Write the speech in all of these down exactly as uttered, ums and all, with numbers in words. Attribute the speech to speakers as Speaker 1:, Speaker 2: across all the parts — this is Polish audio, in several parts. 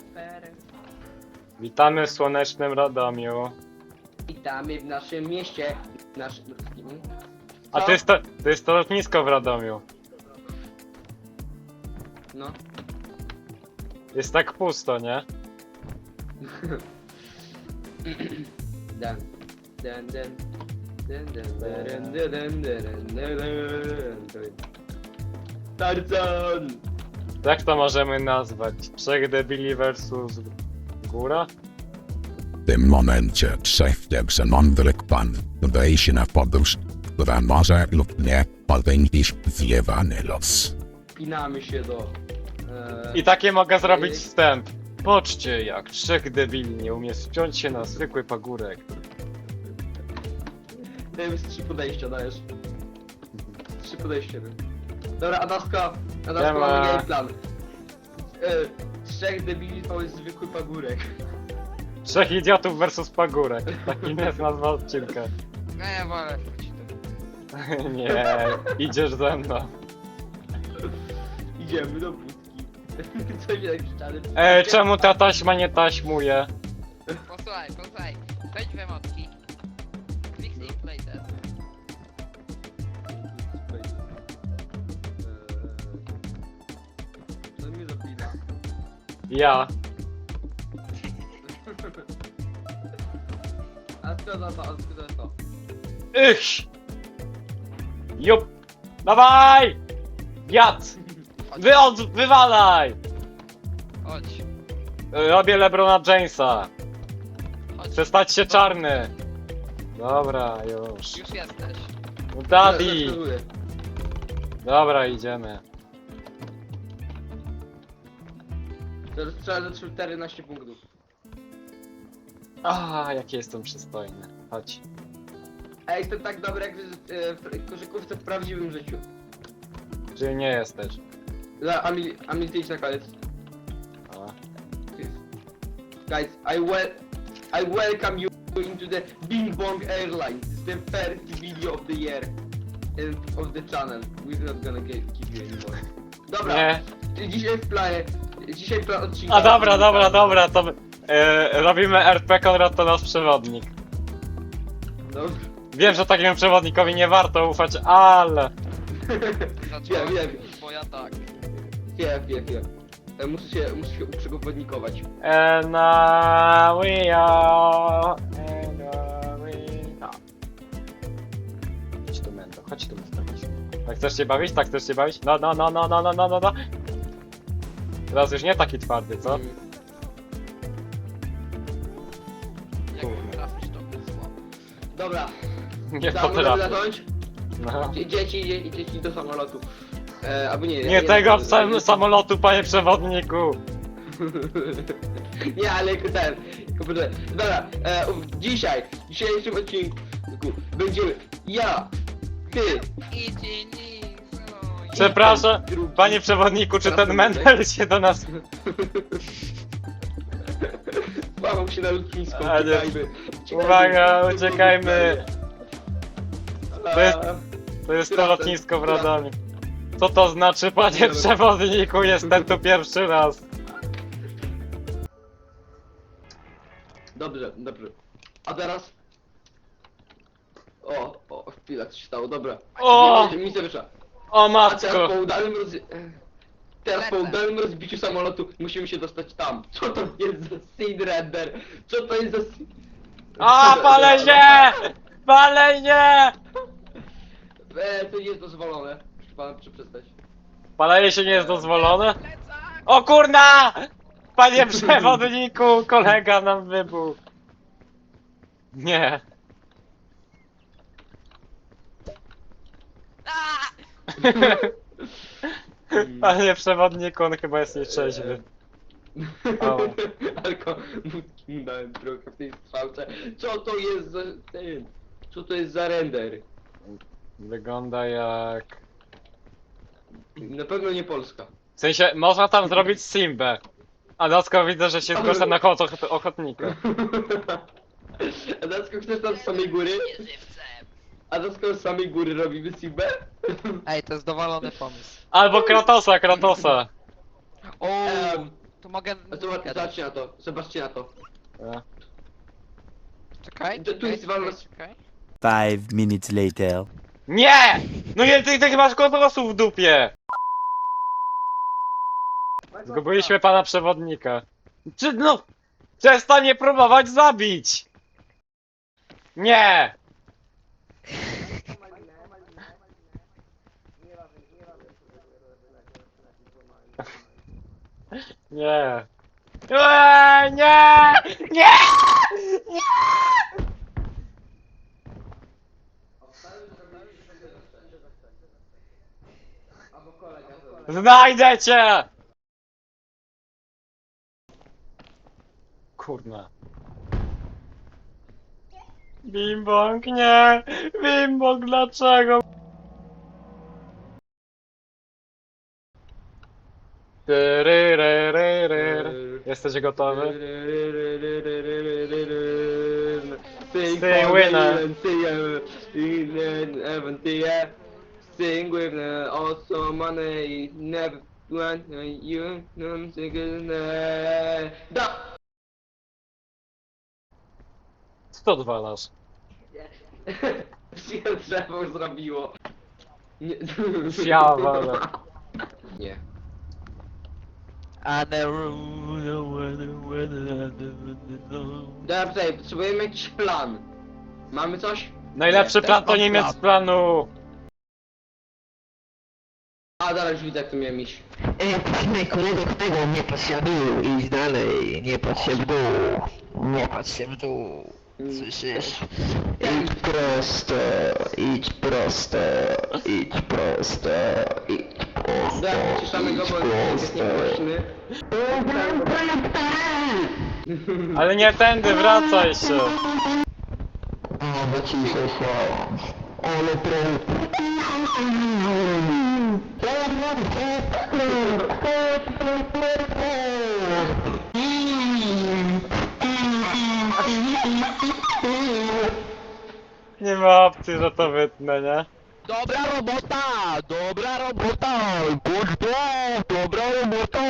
Speaker 1: Witamy w słonecznym Radomiu.
Speaker 2: Witamy w naszym mieście. Naszym...
Speaker 1: A to jest to, to jest to lotnisko w Radomiu.
Speaker 2: No.
Speaker 1: Jest tak pusto, nie?
Speaker 2: Dan. Dan, dan. Dan, dan, dan, dan, dan, dan, dan, dan. Tarzan!
Speaker 1: Jak to możemy nazwać? Trzech debili versus góra?
Speaker 3: W tym momencie trzech mądrych pan udaje się na podróż, która może lub nie podejść zjewany los.
Speaker 2: Pinamy się do... E...
Speaker 1: I takie mogę zrobić wstęp. Poczcie, jak trzech debili nie umie wspiąć się na zwykły pagórek.
Speaker 2: Ty z trzy podejścia dajesz. Trzy podejścia. Dobra, Adaska. Adaska,
Speaker 1: Siema.
Speaker 2: mamy game plan. E, trzech debili to jest zwykły pagórek.
Speaker 1: Trzech idiotów versus pagórek. Taki jest nazwa odcinka.
Speaker 4: No ja wolę wrócić do...
Speaker 1: Nie, idziesz ze mną.
Speaker 2: Idziemy do budki. Co się tak szczale...
Speaker 1: E, czemu ta taśma nie taśmuje?
Speaker 4: Posłuchaj, posłuchaj. Wejdź w emotki. Kliknij play ten.
Speaker 2: Co mnie zapina?
Speaker 1: Ja.
Speaker 2: A co za to, a co za to?
Speaker 1: Ich! Jup! Dawaj! Wiatr!
Speaker 4: Chodź,
Speaker 1: Wy od, wywalaj!
Speaker 4: chodź,
Speaker 1: Robię Lebrona Jamesa.
Speaker 4: chodź.
Speaker 1: Chcę stać się czarny. Dobra, już.
Speaker 4: Już jesteś.
Speaker 1: No Daddy!
Speaker 2: Zaskakuję.
Speaker 1: Dobra, idziemy.
Speaker 2: Teraz trzeba za czternaście punktów.
Speaker 1: A, jaki jestem przystojny. Chodź.
Speaker 2: A jestem tak dobry jak w, e, w koszykówce w prawdziwym życiu.
Speaker 1: Czyli nie jesteś.
Speaker 2: Za Amil, Amil, ty idź na koniec.
Speaker 1: A.
Speaker 2: Guys, I wel I welcome you into the Bing Bong Airlines. It's the first video of the year and of the channel. We're not gonna get, keep you anymore. Dobra,
Speaker 1: Nie.
Speaker 2: dzisiaj w planie, dzisiaj plan odcinka.
Speaker 1: A dobra, dobra, dobra, to e, robimy R P, Konrad to nasz przewodnik.
Speaker 2: Dobra.
Speaker 1: Wiem, że takiemu przewodnikowi nie warto ufać, ale...
Speaker 4: Zacząłem,
Speaker 2: wiem.
Speaker 4: bo ja tak.
Speaker 2: Wiem, wiem, wiem. E, Muszę się, muszę się uprzewodnikować.
Speaker 1: And uh, we are... And uh, we are... Chodź tu, Mendo, chodź tu, Mendo, chodź. Tak chcesz się bawić? Tak chcesz się bawić? No, no, no, no, no, no, no, no, no. Teraz już nie taki twardy, co?
Speaker 2: Mm.
Speaker 4: Jak trafisz to słabo.
Speaker 2: Dobra,
Speaker 1: Nie
Speaker 2: da, mogę
Speaker 1: potrafię.
Speaker 2: zacząć?
Speaker 1: No.
Speaker 2: Dzie- Dzieci, dzie- dzieci do samolotu. E, albo nie,
Speaker 1: Nie tego w samym samolotu, panie przewodniku!
Speaker 2: Nie, ale jako ten, jako poczekaj. Dobra, e, ów- dzisiaj, w dzisiejszym odcinku będziemy ja, ty,
Speaker 4: Idzie nic, no i...
Speaker 1: Przepraszam,
Speaker 2: drugi.
Speaker 1: panie przewodniku, czy ten Mendel się do nas...
Speaker 2: Łamał się na lotnisko,
Speaker 1: A, nie.
Speaker 2: uciekajmy. Uciekajmy.
Speaker 1: Uwaga, uciekajmy!
Speaker 2: A,
Speaker 1: To jest- To jest to lotnisko w Radomiu. Co to znaczy, panie
Speaker 2: Dobra.
Speaker 1: przewodniku? Jestem tu pierwszy raz.
Speaker 2: Dobrze, dobrze. A teraz? O, o, chwila, co się stało, dobra.
Speaker 1: O!
Speaker 2: Mi- Mi się wyszła.
Speaker 1: O
Speaker 2: A teraz
Speaker 1: matko!
Speaker 2: po udanym roz... Teraz po
Speaker 4: Lecę.
Speaker 2: udanym rozbiciu samolotu musimy się dostać tam. Co to jest za seed render? Co to jest za... seed-
Speaker 1: A, palę się! Palę się!
Speaker 2: E, to nie jest dozwolone. Proszę pana, proszę przestać.
Speaker 1: Palenie się nie jest dozwolone?
Speaker 4: Plecak!
Speaker 1: O kurna! Panie przewodniku, kolega nam wybuchł. Nie.
Speaker 4: A!
Speaker 1: Panie przewodniku, on chyba jest nieczeźwy. Au.
Speaker 2: Alko, mu dałem trochę w tej strzałce. Co to jest za... Ten, co to jest za render?
Speaker 1: Wygląda jak...
Speaker 2: Na pewno nie Polska.
Speaker 1: W sensie, można tam zrobić Simbę. A Dacko widzę, że się zgłasza na koło och- ochotnika.
Speaker 2: A Dacko, chcesz tam z samej góry? A Dacko z samej góry robimy Sibę?
Speaker 4: Ej, to jest dowalony pomysł.
Speaker 1: Albo Kratosa, Kratosa.
Speaker 4: O,
Speaker 2: Em,
Speaker 4: To mogę...
Speaker 2: A zobacz, zobaczcie na to, zobaczcie na to.
Speaker 1: E.
Speaker 4: Czekaj,
Speaker 2: To tu
Speaker 4: czekaj,
Speaker 2: jest
Speaker 4: czekaj,
Speaker 2: walność-
Speaker 4: czekaj.
Speaker 5: Five minutes later.
Speaker 1: Nie! No nie, ty, ty masz kodosów w dupie! Zgubiliśmy pana przewodnika. Czy no... Przestań próbować zabić! Nie! Nie! Eee, nie! Nie! Nie! Znajdę cię! Kurna. Bimbong, nie! Bimbong, dlaczego? Tyryryryryry. Jesteś gotowy?
Speaker 2: Sing
Speaker 1: Sing
Speaker 2: for
Speaker 1: winner.
Speaker 2: me and sing, uh, sing and heaven to ya. Sing with the awesome money. Never want you. No, sing it, uh, Da!
Speaker 1: Co to odwalasz?
Speaker 2: Się drzewo zrobiło. Nie.
Speaker 1: Ja walę.
Speaker 2: Nie. Dobrze, potrzebujemy jakiś plan. Mamy coś?
Speaker 1: Najlepszy
Speaker 4: Nie,
Speaker 1: plan
Speaker 4: też
Speaker 1: to
Speaker 4: mam
Speaker 1: nie mieć
Speaker 4: plan.
Speaker 1: planu.
Speaker 2: A, zaraz już widzę jak tu miałem iść.
Speaker 6: Ej, posłuchaj kolego, kolego, nie patrz się w dół, idź dalej, nie patrz się w dół, nie patrz się w dół, słyszysz? Idź prosto, idź prosto, idź prosto, idź prosto,
Speaker 2: Dobra, wyciszamy go, bo jest niegłośny.
Speaker 1: Ale nie tędy, wracaj się.
Speaker 6: O, wyciszę się, ale
Speaker 1: Nie ma opcji, że to wytnę, nie?
Speaker 6: Dobra robota! Dobra robota! Good job! Dobra robota!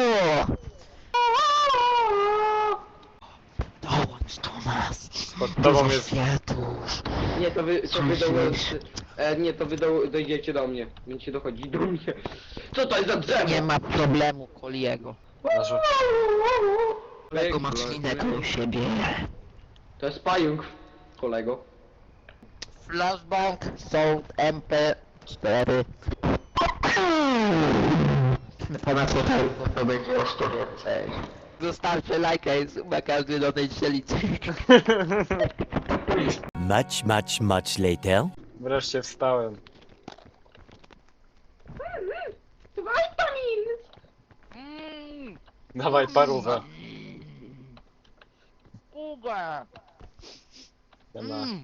Speaker 6: Dołącz do nas!
Speaker 1: Pod tobą
Speaker 6: Do
Speaker 1: jest...
Speaker 6: światów!
Speaker 2: Nie, to wy, to wy do,
Speaker 6: Słyszysz?
Speaker 2: e, nie, to wy do, dojdziecie do mnie. Będziecie dochodzić do mnie. Co to jest za drzewo?
Speaker 6: Nie ma problemu, Koliego.
Speaker 1: Aż-
Speaker 6: Kolego ma ślinę koło siebie.
Speaker 2: To jest pająk, kolego.
Speaker 6: Flashbang, Sound M P cztery. Pana słuchajko, to będzie jeszcze więcej. Zostawcie lajka i suba, każdy do tej strzelicy.
Speaker 5: Much, much, much later.
Speaker 1: Wreszcie wstałem.
Speaker 4: Mm,
Speaker 1: Dawaj parówę.
Speaker 4: Puga!
Speaker 1: Siema.
Speaker 4: Mm.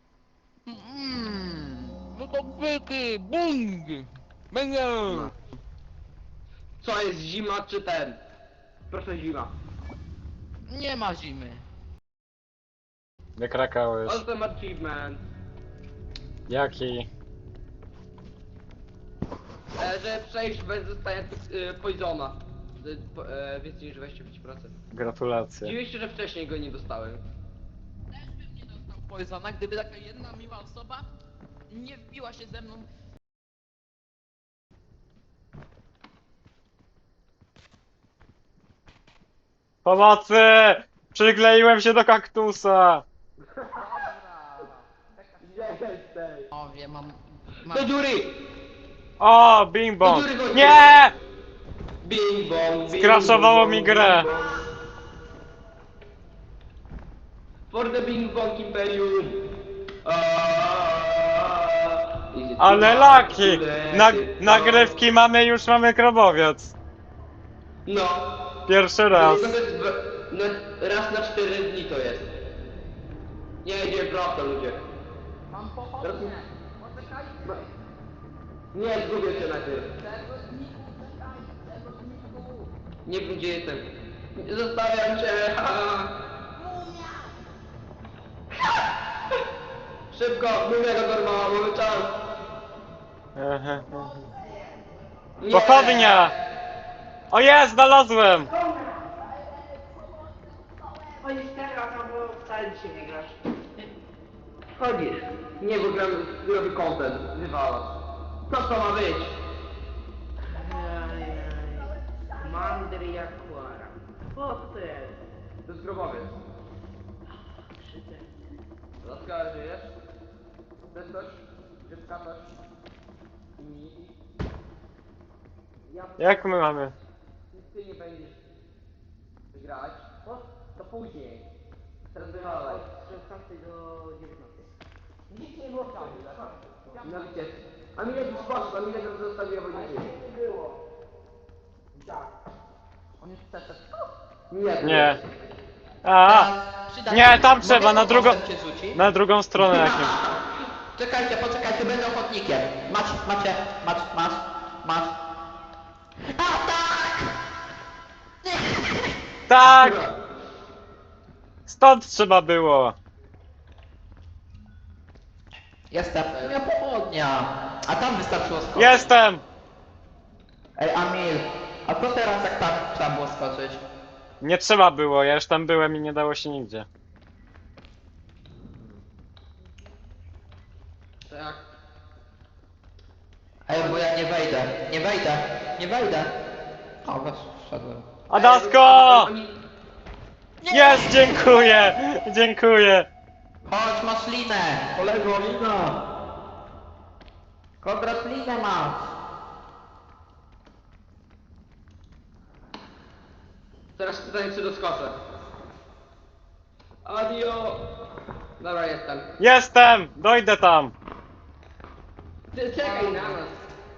Speaker 4: Mm. No to byki, bung! Będę!
Speaker 2: No. Co jest zima czy ten? Proszę zima.
Speaker 4: Nie ma zimy.
Speaker 1: Wykrakałeś.
Speaker 2: Ale ten achievement.
Speaker 1: Jaki?
Speaker 2: E, że przejść bez zostania e, poisona. E, po- e, więcej niż dwadzieścia pięć procent.
Speaker 1: Gratulacje.
Speaker 2: Dziwię się, że wcześniej go nie dostałem.
Speaker 4: Też bym nie dostał poisona, gdyby taka jedna miła osoba nie wbiła się ze mną.
Speaker 1: Pomocy! Przykleiłem się do kaktusa!
Speaker 4: O, wiem, mam...
Speaker 2: Do
Speaker 4: mam...
Speaker 2: dziury!
Speaker 1: O, bing bong!
Speaker 2: Do dziury chodźcie.
Speaker 1: Nie!
Speaker 2: Bing bong, bing
Speaker 1: Skraszowało
Speaker 2: bong,
Speaker 1: mi grę.
Speaker 2: bing bong. For the bing bong imperium. Aaaa. Is it
Speaker 1: Ale
Speaker 2: too
Speaker 1: laki!
Speaker 2: much to
Speaker 1: Na,
Speaker 2: let it go?
Speaker 1: nagrywki mamy, już mamy krobowiec.
Speaker 2: No.
Speaker 1: Pierwszy raz.
Speaker 2: To jest dwa- na, raz na cztery dni to jest. Nie, idzie prosto ludzie.
Speaker 4: Mam
Speaker 2: Teraz-
Speaker 4: pochodnie! Poczekajcie!
Speaker 2: Nie, zgubię się najpierw.
Speaker 4: Przewodniku, czekaj! Przewodniku!
Speaker 2: Nie wiem gdzie jestem. Zostawiam cię. ha. Szybko, mówię go normalnie, mamy czas. Nie.
Speaker 1: Pochodnia! O jest, znalazłem!
Speaker 6: Chodzisz teraz, albo wcale dzisiaj nie grasz.
Speaker 2: Chodzisz. Nie, bo gram, robię content. Wywalasz. Co to ma być?
Speaker 6: Ajajaj. Mandry Jaguara. O, co to jest?
Speaker 2: To jest grobowiec.
Speaker 6: Krzyte.
Speaker 2: Laska, żyjesz? Chcesz coś? Chcesz skakać? I... Ja...
Speaker 1: Jak my mamy?
Speaker 2: Ty nie będziesz grać. O, to później. Teraz wywalaj.
Speaker 6: Od szesnastej do dziewiętnastej. Nic nie było tam.
Speaker 2: Na wycieczkę. A Milek już poszedł, a Milek już zostawił wojnę.
Speaker 6: Nie było. Tak.
Speaker 2: On już chce Nie.
Speaker 1: Nie. A,
Speaker 4: Przyda
Speaker 1: nie,
Speaker 4: się-
Speaker 1: tam
Speaker 4: mogę
Speaker 1: trzeba, na drugą,
Speaker 4: postęp cię rzuci?
Speaker 1: na drugą stronę jakimś.
Speaker 4: Czekajcie, poczekajcie, będę ochotnikiem. Macie, macie, masz, masz, masz.
Speaker 1: Tak! Stąd trzeba było.
Speaker 4: Jestem. Ja pochodnia. A tam wystarczyło skoczyć.
Speaker 1: Jestem!
Speaker 4: Ej, Amil, a co teraz jak tam trzeba było skoczyć?
Speaker 1: Nie trzeba było, ja już tam byłem i nie dało się nigdzie.
Speaker 2: Tak.
Speaker 4: Ej, bo ja nie wejdę, nie wejdę, nie wejdę. O, was wszedłem.
Speaker 1: Adasko! Jest, dziękuję! Dziękuję!
Speaker 4: Chodź, masz linę! Kolego, lina! Konrad, linę masz!
Speaker 2: Teraz pytanie, czy doskoczę. Adio! Dobra, jestem.
Speaker 1: Jestem! Dojdę tam!
Speaker 2: Ty czekaj na nas.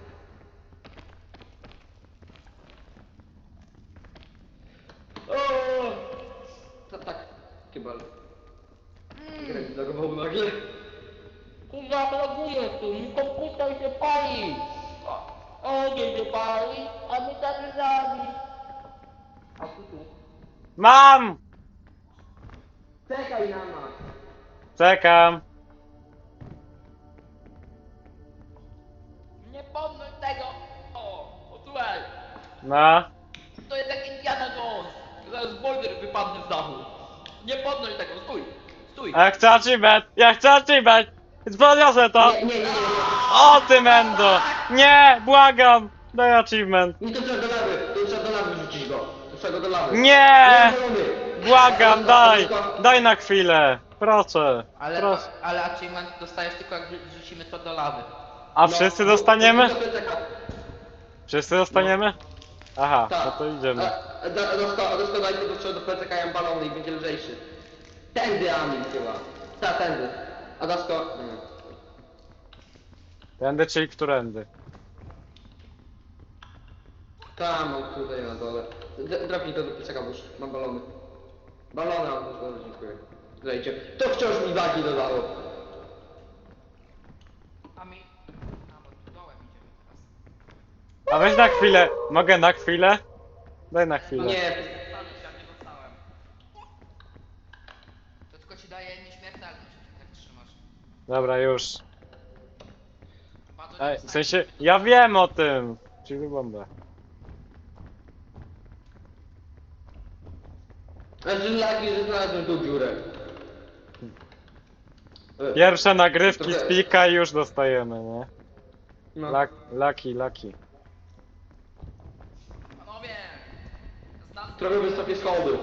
Speaker 2: O! To tak, kibel. Grę zlogował nagle.
Speaker 4: Kurwa, blokuję tu, mi komputer się pali! Ogień się pali, a my tak zabić.
Speaker 2: A tu tu.
Speaker 1: Mam!
Speaker 2: Czekaj na nas.
Speaker 1: Czekam.
Speaker 4: Nie podnoś tego! O, o słuchaj!
Speaker 1: No.
Speaker 4: To jest jak Indiana Jones! Zaraz boulder wypadnie z dachu. Nie podnoś tego, stój! Stój!
Speaker 1: A ja chcę achievement! Ja chcę achievement! Podniosę to!
Speaker 2: Nie, nie, nie, nie, nie.
Speaker 1: O ty mendo! Nie! Błagam! Daj achievement!
Speaker 2: Nie, to trzeba do lawy. To trzeba do lawy rzucić go. To trzeba go do lawy.
Speaker 1: Nie!
Speaker 2: Zielony.
Speaker 1: Błagam, daj!
Speaker 2: Adasko,
Speaker 1: Daj na chwilę! Proszę!
Speaker 4: Ale,
Speaker 1: Proszę.
Speaker 4: ale achievement dostajesz tylko jak rzucimy to do lawy.
Speaker 1: A
Speaker 2: no,
Speaker 1: wszyscy
Speaker 2: no,
Speaker 1: dostaniemy?
Speaker 2: to czeka.
Speaker 1: Wszyscy dostaniemy? Aha,
Speaker 2: Tak.
Speaker 1: no to idziemy.
Speaker 2: A- a da- Adasko, Adasko, daj tego trzeba do plecaka balony i będzie lżejszy. Tędy, Amin, chyba. Tak, tędy. Adasko. Nie.
Speaker 1: Tędy, czyli którędy?
Speaker 2: Tam, mam tutaj na dole. D- Drapnij to do plecaka, bo już mam balony. Balony mam na dole, dziękuję. Zajdzie. To wciąż mi wagi dodało.
Speaker 4: A mi... A, bo dołem idziemy teraz.
Speaker 1: A weź na chwilę. Mogę na chwilę? Daj na chwilę.
Speaker 2: Nie,
Speaker 4: Stanę się, jak nie dostałem. To tylko ci daje nieśmiertelność, jak trzymasz.
Speaker 1: Dobra, już.
Speaker 4: Bardzo
Speaker 1: Ej,
Speaker 4: nie
Speaker 1: w sensie, ja wiem o tym. Czyli bombę.
Speaker 2: znaczy laki, że znalazłem tą dziurę. E,
Speaker 1: Pierwsze nagrywki
Speaker 2: Trochę-
Speaker 1: z pika i już dostajemy, nie?
Speaker 2: No.
Speaker 1: Lak, laki, laki.
Speaker 4: Panowie! Znam...
Speaker 2: Trochę wysokie schody.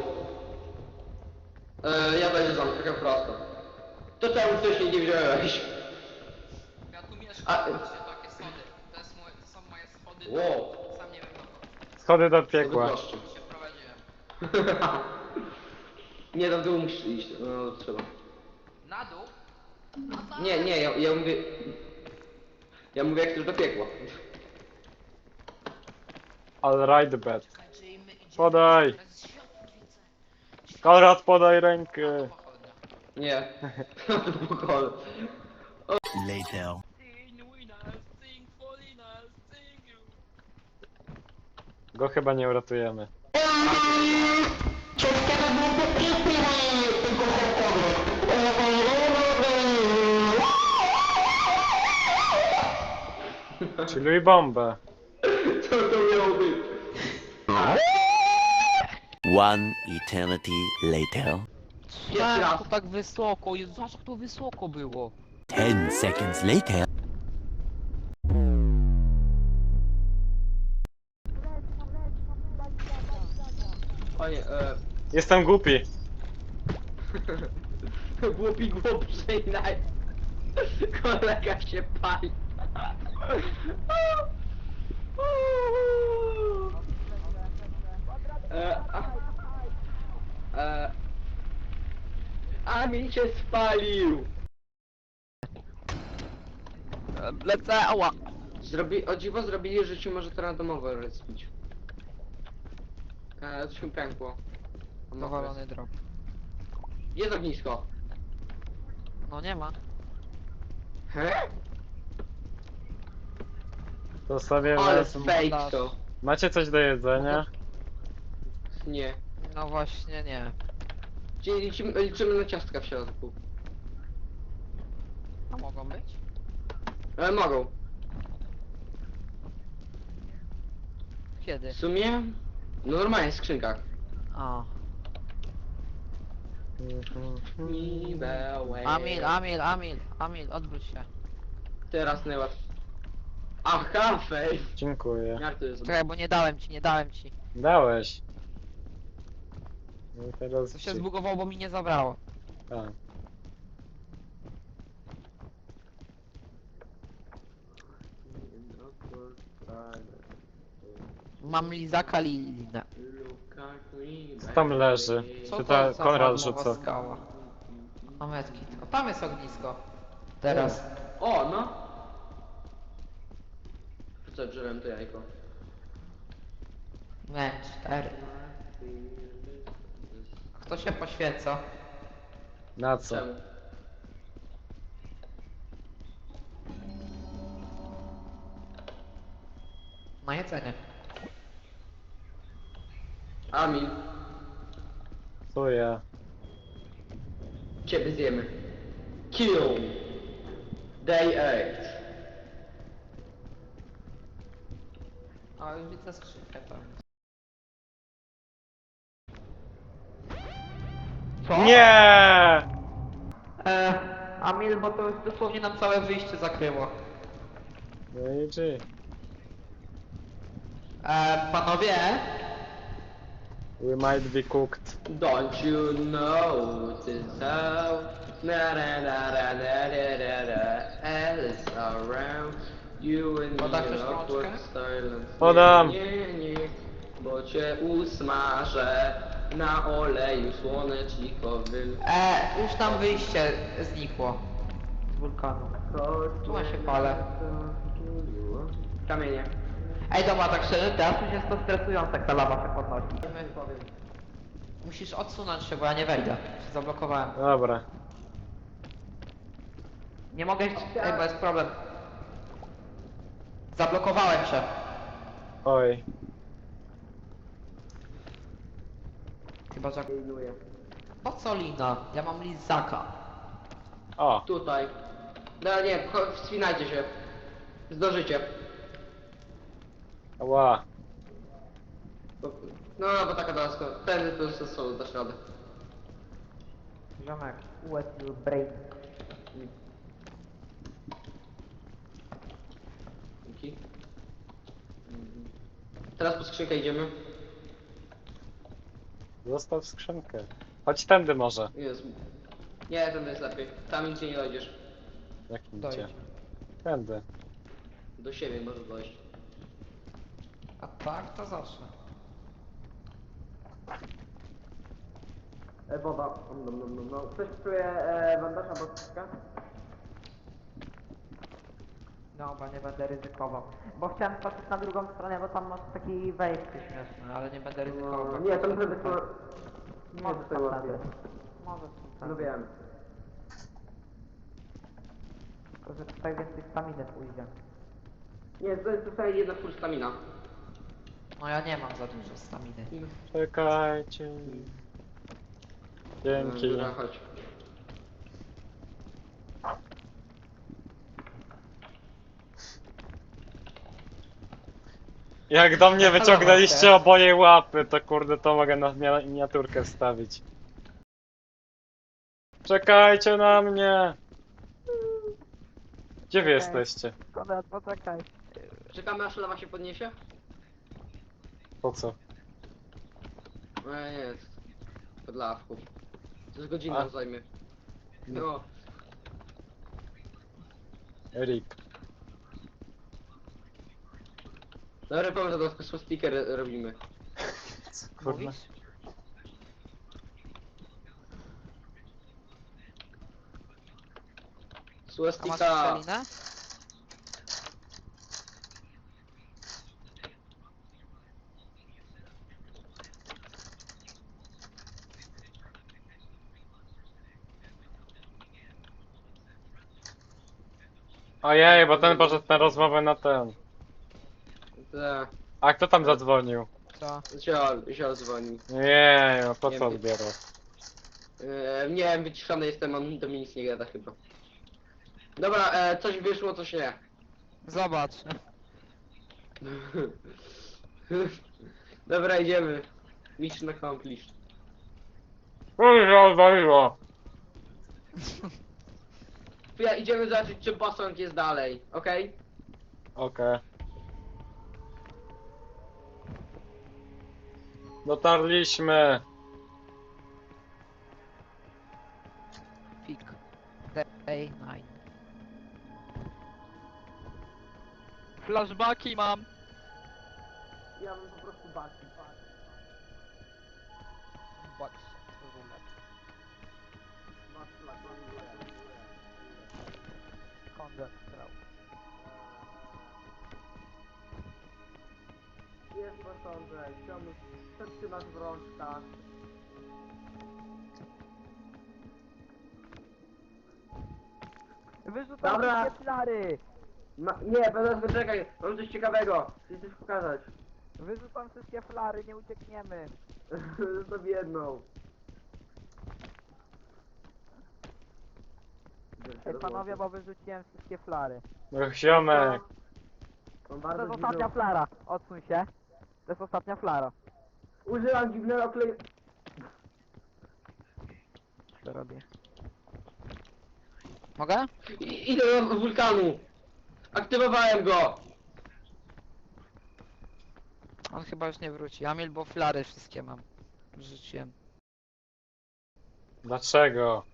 Speaker 2: E, ja będę tam, trochę prosto. To czemu wcześniej nie wziąłeś?
Speaker 4: Ja tu mieszkam,
Speaker 2: A-
Speaker 4: patrzcie, takie schody. To, jest moje, to są moje schody,
Speaker 2: Wow.
Speaker 4: do, sam nie wiem dokąd.
Speaker 1: Schody do piekła.
Speaker 2: Schody proszczy.
Speaker 4: się wprowadziłem.
Speaker 2: Nie, tam w dół musisz iść, no trzeba.
Speaker 4: Na dół?
Speaker 2: Nie, nie, ja, ja mówię... Ja mówię jak chcesz do piekła.
Speaker 1: I'll ride the bed.
Speaker 4: Słuchajcie, i my idziemy.
Speaker 1: Podaj.
Speaker 4: Teraz światło widzę.
Speaker 1: Konrad, podaj rękę.
Speaker 4: Pochodnia.
Speaker 2: Nie. To pokoju.
Speaker 5: Later.
Speaker 4: Sing winners, sing foreigners, sing you.
Speaker 1: Go chyba nie uratujemy. Czyli bombę.
Speaker 2: Co to miało być?
Speaker 5: One eternity later.
Speaker 2: Pierwszy raz.
Speaker 7: To tak wysoko, Jezu, zobacz jak to wysoko było.
Speaker 5: Ten seconds later.
Speaker 2: Panie, e...
Speaker 1: Jestem głupi.
Speaker 2: Głupi głupszy naj... Kolega się pali. E, a, e, a mi się spalił.
Speaker 7: E, Lecę, ała.
Speaker 2: Zrobi, o dziwo zrobili, że ci może to randomowo respić. E, to się pękło.
Speaker 7: Dowalony drop.
Speaker 2: Jest ognisko.
Speaker 7: No nie ma.
Speaker 2: He?
Speaker 1: To sobie
Speaker 2: Ale
Speaker 1: wezmę.
Speaker 2: fake to.
Speaker 1: Macie coś do jedzenia?
Speaker 2: Nie.
Speaker 7: No właśnie nie.
Speaker 2: Czyli liczymy, liczymy na ciastka w środku.
Speaker 7: A mogą być?
Speaker 2: Ale mogą.
Speaker 7: Kiedy?
Speaker 2: W sumie? No normalnie w skrzynkach.
Speaker 7: A.
Speaker 2: Amil,
Speaker 7: Amil, Amil, Amil, Amil, odwróć się.
Speaker 2: Teraz najłatwiej. Aha, fej.
Speaker 1: Dziękuję.
Speaker 2: Jak to jest?
Speaker 7: Czekaj, bo nie dałem ci, nie dałem ci.
Speaker 1: Dałeś. No i teraz
Speaker 7: To się
Speaker 1: ci-
Speaker 7: zbugowało, bo mi nie zabrało.
Speaker 1: A.
Speaker 7: Mam lizaka Lilina.
Speaker 1: Co tam leży?
Speaker 7: Co
Speaker 1: Czy
Speaker 7: to
Speaker 1: ta
Speaker 7: za
Speaker 1: Konrad
Speaker 7: marnowa
Speaker 1: rzuca?
Speaker 7: skała? A metki. O, tam jest ognisko. Teraz.
Speaker 2: O, no. Co, drzewem to jajko.
Speaker 7: Nie, cztery. Kto się poświeca?
Speaker 1: Na co?
Speaker 2: Czemu?
Speaker 7: Na jedzenie.
Speaker 2: Amil,
Speaker 1: Co ja?
Speaker 2: ciebie zjemy. Kill. Day eight.
Speaker 7: A już widzę skrzynkę tam. Co?
Speaker 1: Nie!
Speaker 7: E, Amil, bo to już dosłownie nam całe wyjście zakryło.
Speaker 1: No i G.
Speaker 7: E, panowie?
Speaker 1: We might be cooked.
Speaker 2: Don't you know this how na na na na na na na na Alice around you and
Speaker 7: Podasz
Speaker 2: me
Speaker 7: też
Speaker 2: awkward
Speaker 7: rączkę?
Speaker 2: silence.
Speaker 1: Podam.
Speaker 2: Nie, nie, bo cię usmażę na oleju słonecznikowym.
Speaker 7: E, już tam wyjście znikło. Z wulkanu. Tu ma się palę.
Speaker 2: Kamienie.
Speaker 7: Ej, dobra, tak szczerze, teraz już jest to stresujące, jak ta lawa się podnosi. Musisz odsunąć się, bo ja nie wejdę. Się zablokowałem.
Speaker 1: Dobra.
Speaker 7: Nie mogę iść... Ej, bo jest problem. Zablokowałem się.
Speaker 1: Oj.
Speaker 7: Chyba, że... Po co lina? Ja mam lizaka.
Speaker 1: O.
Speaker 2: Tutaj. No nie, cho- wspinajcie się. Zdążycie.
Speaker 1: Ła.
Speaker 2: Bo, no, bo taka daska. Ten to jest solo, dasz radę.
Speaker 7: Ziomek, wet your brain.
Speaker 2: Dzięki. Mhm. Teraz po skrzynkę idziemy.
Speaker 1: Zostaw skrzynkę. Chodź tędy może.
Speaker 2: Jest. Nie, ten jest lepiej. Tam nigdzie nie dojdziesz.
Speaker 1: Jakim
Speaker 7: Dojdź.
Speaker 1: gdzie? Tędy.
Speaker 2: Do siebie możesz dojść.
Speaker 7: A tak, to zawsze.
Speaker 2: E, woda. No, no, no, no. Ktoś czuje e, bandaż albo skrzynkę?
Speaker 7: No, bo nie będę ryzykował. Bo chciałem patrzeć na drugą stronę, bo tam masz taki wejście śmieszny, ale nie będę ryzykował.
Speaker 2: No, nie, to muszę być... Nie,
Speaker 7: Może
Speaker 2: to jest łatwiej.
Speaker 7: Może
Speaker 2: No wiem.
Speaker 7: Tylko, że tutaj więcej staminy pójdzie.
Speaker 2: Nie, to jest tutaj jedna full stamina.
Speaker 7: No ja nie mam za dużo staminy.
Speaker 1: Czekajcie. Dzięki.
Speaker 2: Dobra, chodź.
Speaker 1: Jak do mnie wyciągnęliście oboje łapy, to kurde to mogę na miniaturkę wstawić. Czekajcie na mnie! Gdzie wy
Speaker 7: Okej.
Speaker 1: jesteście?
Speaker 7: Konrad, poczekaj.
Speaker 2: Czekamy aż lawa się podniesie?
Speaker 1: Po co?
Speaker 2: No nie jest. Pod lawką. To z godzinę
Speaker 1: A?
Speaker 2: zajmie. No.
Speaker 1: Erik.
Speaker 2: Dobra, powiem, że to tylko speaker robimy.
Speaker 1: Kurwa.
Speaker 7: Mówisz? A masz
Speaker 2: Swastika.
Speaker 7: strzelinę?
Speaker 1: Ojej, bo ten poszedł na rozmowę na ten.
Speaker 2: Tak.
Speaker 1: A kto tam zadzwonił?
Speaker 7: Co?
Speaker 2: Ziol, ziol dzwoni.
Speaker 1: Nie, no po
Speaker 2: Nie
Speaker 1: co
Speaker 2: wiem.
Speaker 1: odbierał?
Speaker 2: E, nie wiem, wyciszony jestem, on do mnie nic nie gada chyba. Dobra, e, coś wyszło, coś nie.
Speaker 7: Zobacz.
Speaker 2: Dobra, idziemy. Mission accomplished.
Speaker 1: Kurwa, odwaliło!
Speaker 2: Ja idziemy zobaczyć, czy posąg jest dalej, okej?
Speaker 1: Okej. Dotarliśmy!
Speaker 7: Fik. Day nine. Flashbacki mam.
Speaker 2: Ja bym po prostu baczył.
Speaker 7: Bacz. Konrad strał.
Speaker 2: Jest posążek, ziomuś, co trzymasz w rączkach?
Speaker 7: Wyrzucam
Speaker 2: Dobra.
Speaker 7: wszystkie flary!
Speaker 2: Ma, nie, teraz poczekaj, mam coś ciekawego. Chcę coś pokazać.
Speaker 7: Wyrzucam wszystkie flary, nie uciekniemy.
Speaker 2: Zostaw jedną.
Speaker 7: Ej panowie, bo wyrzuciłem wszystkie flary.
Speaker 1: No, ziomek!
Speaker 2: Mam
Speaker 7: To
Speaker 2: bardzo
Speaker 7: jest ostatnia
Speaker 2: dziwną...
Speaker 7: flara, odsuń się. To jest ostatnia flara.
Speaker 2: Użyłam dziwnego kleju...
Speaker 7: Co robię? Mogę?
Speaker 2: I- Idę do wulkanu. Aktywowałem go.
Speaker 7: On chyba już nie wróci. Amil, bo flary wszystkie mam. Wrzuciłem.
Speaker 1: Dlaczego?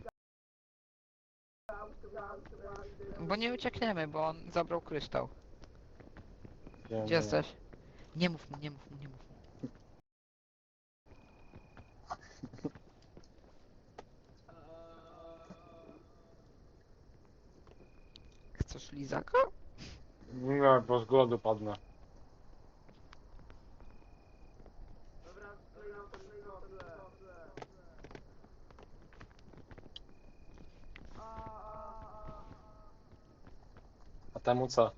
Speaker 7: Bo nie uciekniemy, bo on zabrał kryształ.
Speaker 1: Wiem,
Speaker 7: Gdzie
Speaker 1: nie.
Speaker 7: jesteś? Nie mów mu, nie mów mu, nie mów mu. Chcesz lizaka?
Speaker 1: Nie, bo z głodu padnę. A temu co?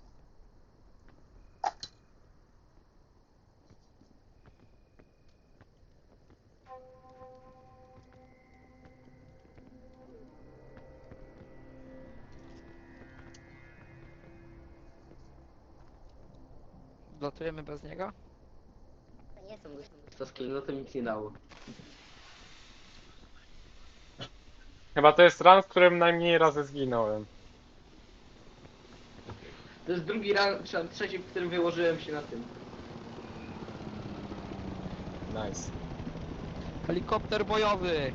Speaker 7: Latujemy bez niego?
Speaker 2: Nie są to skill, no to nic nie dało.
Speaker 1: Chyba to jest run, w którym najmniej razy zginąłem.
Speaker 2: To jest drugi ran, czy tam trzeci, w którym wyłożyłem się na tym.
Speaker 1: Nice.
Speaker 7: Helikopter bojowy!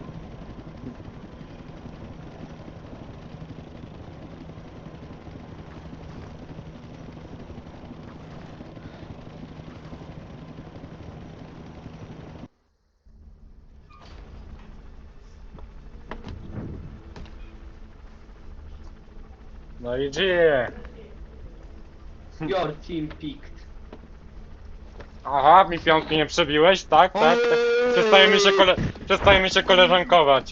Speaker 1: No i gdzie?
Speaker 2: Your team picked.
Speaker 1: Aha, mi piątki nie przebiłeś? Tak, tak, tak. Przestajemy się, kole... Przestajemy się koleżankować.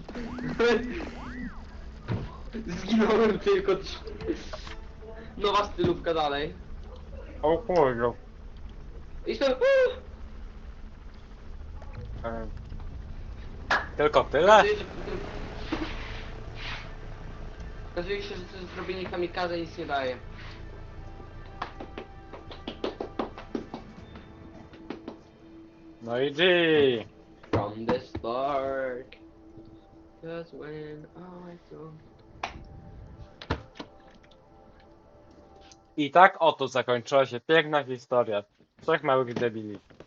Speaker 2: Zginąłem tylko trz... Nowa stylówka dalej.
Speaker 1: O kurde.
Speaker 2: I jestem...
Speaker 1: Em, Tylko tyle?
Speaker 2: Okazuje się, że- Okazuje się, że to zrobienie kamikaze nic nie daje.
Speaker 1: No i G.
Speaker 2: From the start. just when I saw...
Speaker 1: I tak oto zakończyła się piękna historia trzech małych debili.